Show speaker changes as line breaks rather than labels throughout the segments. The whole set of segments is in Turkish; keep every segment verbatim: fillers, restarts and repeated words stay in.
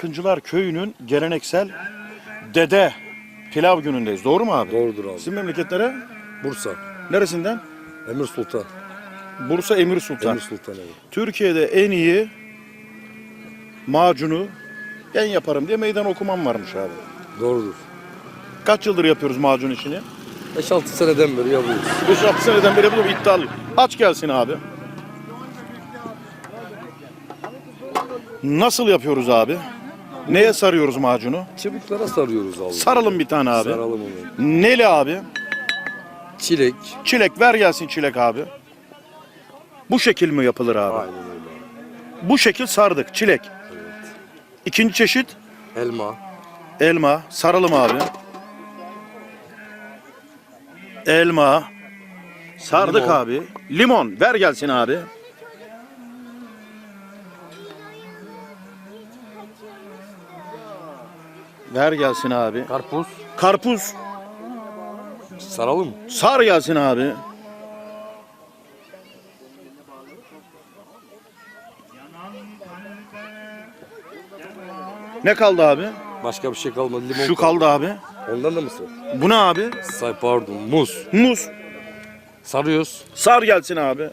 Akıncılar Köyü'nün geleneksel dede pilav günündeyiz. Doğru mu abi?
Doğrudur abi.
Sizin memleketlere?
Bursa.
Neresinden?
Emir Sultan.
Bursa Emir Sultan.
Emir Sultan evet.
Türkiye'de en iyi macunu ben yaparım diye meydan okumam varmış abi.
Doğrudur.
Kaç yıldır yapıyoruz macun işini?
beş altı seneden beri yapıyoruz.
beş altı seneden beri yapıyorum, iddialı. Aç gelsin abi. Nasıl yapıyoruz abi? Neye sarıyoruz macunu?
Çubuklara sarıyoruz abi.
Saralım bir tane abi.
Saralım onu.
Neli abi?
Çilek.
Çilek, ver gelsin çilek abi. Bu şekil mi yapılır abi?
Aynen öyle.
Bu şekil sardık, çilek.
Evet.
İkinci çeşit
Elma.
elma. Saralım abi. Elma. Sardık
Limon.
abi. Limon, ver gelsin abi. Ver gelsin abi.
Karpuz.
Karpuz.
Saralım.
Sar gelsin abi. Ne kaldı abi?
Başka bir şey kalmadı. Limon
Şu kaldı abi.
Ondan da mı sar?
Bu ne abi?
Say pardon. Muz.
Muz.
Sarıyoruz.
Sar gelsin abi.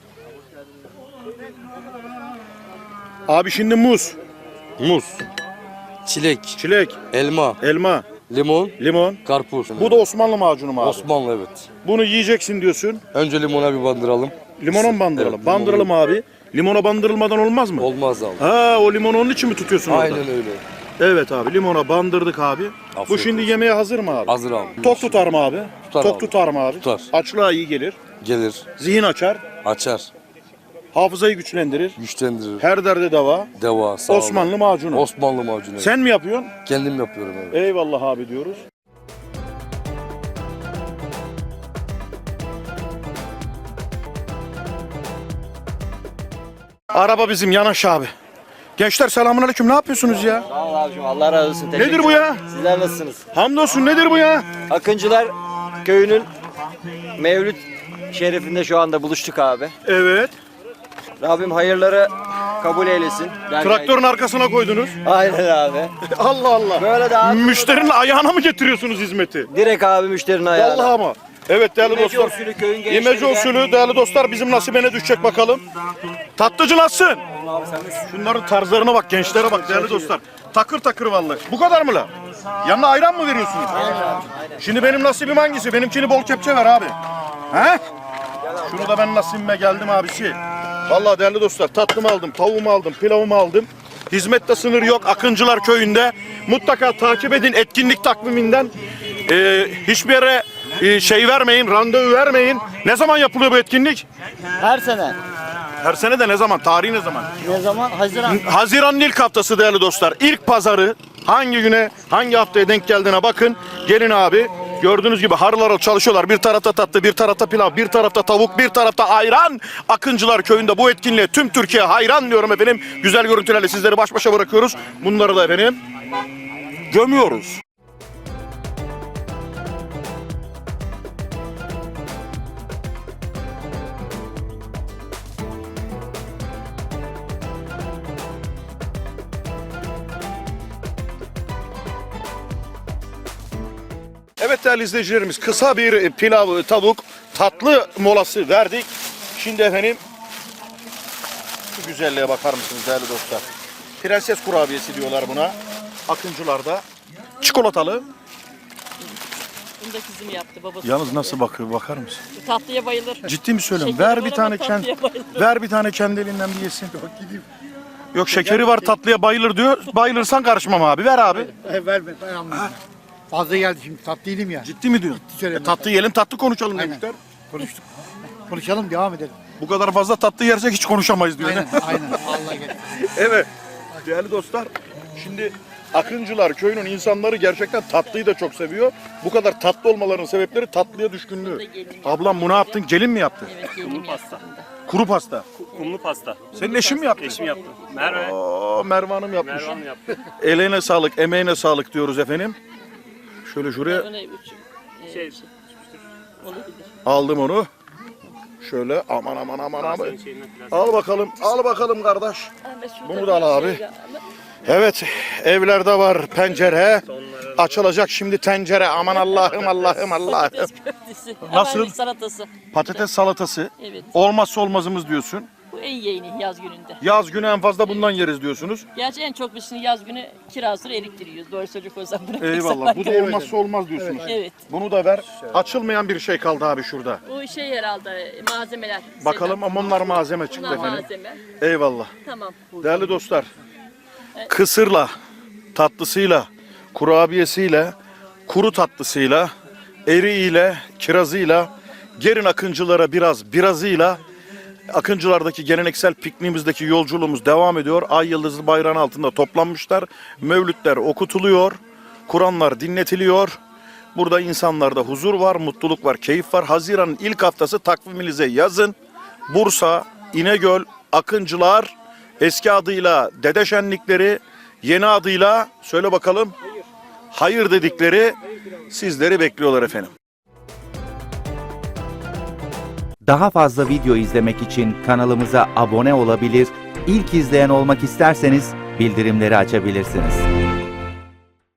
Abi şimdi muz,
Muz. Çilek.
çilek,
Elma.
elma,
Limon.
limon.
Karpuz.
Bu da Osmanlı macunu mu abi?
Osmanlı evet.
Bunu yiyeceksin diyorsun.
Önce limona bir bandıralım.
Limona mı bandıralım?
Evet,
Bandıralım abi. Limona bandırılmadan olmaz mı?
Olmaz abi.
Ha, o limonu onun için mi tutuyorsun orada?
Aynen öyle.
Evet abi, limona bandırdık abi. Bu
Afiyet
şimdi
olsun.
yemeğe hazır mı abi?
Hazır abi.
Tok tutar mı abi?
Tutar
Tok
abi.
tutar mı abi?
Tutar.
Açlığa iyi gelir.
Gelir.
Zihin açar.
Açar.
Hafızayı güçlendirir.
Güçlendirir.
Her derde deva.
Deva. Sağ olun.
Osmanlı macunu.
Osmanlı macunu.
Sen mi yapıyorsun?
Kendim yapıyorum evet.
Eyvallah abi diyoruz. Araba bizim Yanaş abi. Gençler selamünaleyküm. Ne yapıyorsunuz ya?
Sağ ol abicim, Allah razı olsun. Teşekkür
Nedir bu ya?
Sizler nasılsınız?
Hamdolsun, nedir bu ya?
Akıncılar Köyü'nün Mevlüt şerifinde şu anda buluştuk abi.
Evet.
Rabbim hayırları kabul eylesin. Yani-
Traktörün arkasına koydunuz.
Aynen abi.
Allah Allah.
Böyle de abi.
Müşterinin ayağına mı getiriyorsunuz hizmeti?
Direkt abi müşterinin ayağına.
Vallahi ama. Evet değerli
İmece
dostlar.
usulü köyün gençleri
İmece
de-
usulü değerli dostlar bizim nasibine düşecek bakalım. Tatlıcı nasılsın?
Abi sen de-
Şunların tarzlarına bak, gençlere bak değerli dostlar. Takır takır vallahi. Bu kadar mı la? Yanına ayran mı veriyorsunuz? Şimdi benim nasibim hangisi? Benimkini bol kepçe ver abi. He? Şunu da ben nasibime geldim abisi. Vallahi değerli dostlar, tatlımı aldım, tavuğumu aldım, pilavımı aldım. Hizmette sınır yok Akıncılar Köyü'nde. Mutlaka takip edin etkinlik takviminden. Ee, hiçbir yere e, şey vermeyin, randevu vermeyin. Ne zaman yapılıyor bu etkinlik?
Her sene.
Her sene de ne zaman? Tarihi ne zaman?
Ne zaman? Haziran.
Haziran'ın ilk haftası değerli dostlar. İlk pazarı hangi güne, hangi haftaya denk geldiğine bakın. Gelin abi. Gördüğünüz gibi harıl harıl çalışıyorlar. Bir tarafta tatlı, bir tarafta pilav, bir tarafta tavuk, bir tarafta ayran. Akıncılar Köyü'nde bu etkinliğe tüm Türkiye hayran diyorum efendim. Güzel görüntülerle sizleri baş başa bırakıyoruz. Bunları da efendim gömüyoruz. Evet değerli izleyicilerimiz, kısa bir pilav, tavuk, tatlı molası verdik. Şimdi efendim şu güzelliğe bakar mısınız değerli dostlar? Prenses kurabiyesi diyorlar buna. Akıncılarda. Çikolatalı.
Bunu da kızım yaptı babası.
Yalnız nasıl bakıyor bakar mısın?
Tatlıya bayılır.
Ciddi mi söylüyorum?
Şekeri
Ver
var
bir
ama
tane kendi
tatlıya bayılır.
ver bir tane kendi elinden bir yesin. Yok şekeri var, tatlıya bayılır diyor. Bayılırsan karışmam abi. Ver abi.
E, ver ver ben anladım. Fazla geldi şimdi tatlı değilim ya.
Ciddi mi diyorsun?
söyleyeyim.
E, tatlı yiyelim, tatlı konuşalım
Aynen.
demişler.
Konuştuk. Konuşalım devam edelim.
Bu kadar fazla tatlı yersek hiç konuşamayız diyor.
Aynen aynen. Allah gel.
Evet. Değerli dostlar, şimdi Akıncılar Köyü'nün insanları gerçekten tatlıyı da çok seviyor. Bu kadar tatlı olmalarının sebepleri tatlıya düşkünlüğü. Ablam bu ne yaptın? Gelin mi yaptı?
Evet, gelinim
Pasta.
Kuru pasta.
Kumlu pasta.
Senin eşin mi yaptı?
Eşim yaptı. Merve.
Oo, Merve Hanım yapmış.
Merve Hanım yaptı.
Eline sağlık, emeğine sağlık diyoruz efendim. Şöyle şuraya
Öyle üç, e,
Şey,
olabilir.
aldım onu. Şöyle aman aman aman aman.
senin şeyinden biraz.
Al bakalım, al bakalım kardeş.
Ahmet şurada
Bunu da al
bir
abi.
şey var.
Evet, evlerde var pencere. Açılacak şimdi tencere. Aman Allah'ım Allah'ım Allah'ım.
Patates köftesi.
Nasıl?
Hemen salatası.
Patates salatası.
Evet.
Olmazsa olmazımız diyorsun.
Bu en yeğeni yaz gününde.
Yaz günü en fazla bundan yeriz diyorsunuz.
Gerçi en çok biz şimdi yaz günü kirazları eriktiriyoruz. Doğru söyleyecek olsam bırakırsak.
Eyvallah. Bu da olmazsa olmaz diyorsunuz.
Evet.
Bunu da ver. Açılmayan bir şey kaldı abi şurada.
O şey herhalde malzemeler.
Bakalım ama onlar malzeme çıktı
Bunlar
efendim.
malzeme.
Eyvallah.
Tamam.
Değerli dostlar, kısırla, tatlısıyla, kurabiyesiyle, kuru tatlısıyla, eriğiyle, kirazıyla, gelin Akıncılara biraz birazıyla, Akıncılardaki geleneksel pikniğimizdeki yolculuğumuz devam ediyor. Ay yıldızlı bayrağın altında toplanmışlar. Mevlütler okutuluyor, Kur'anlar dinletiliyor. Burada insanlarda huzur var, mutluluk var, keyif var. Haziran'ın ilk haftası takviminize yazın. Bursa, İnegöl, Akıncılar, eski adıyla Dede Şenlikleri, yeni adıyla söyle bakalım. Hayır dedikleri sizleri bekliyorlar efendim.
Daha fazla video izlemek için kanalımıza abone olabilir, ilk izleyen olmak isterseniz bildirimleri açabilirsiniz.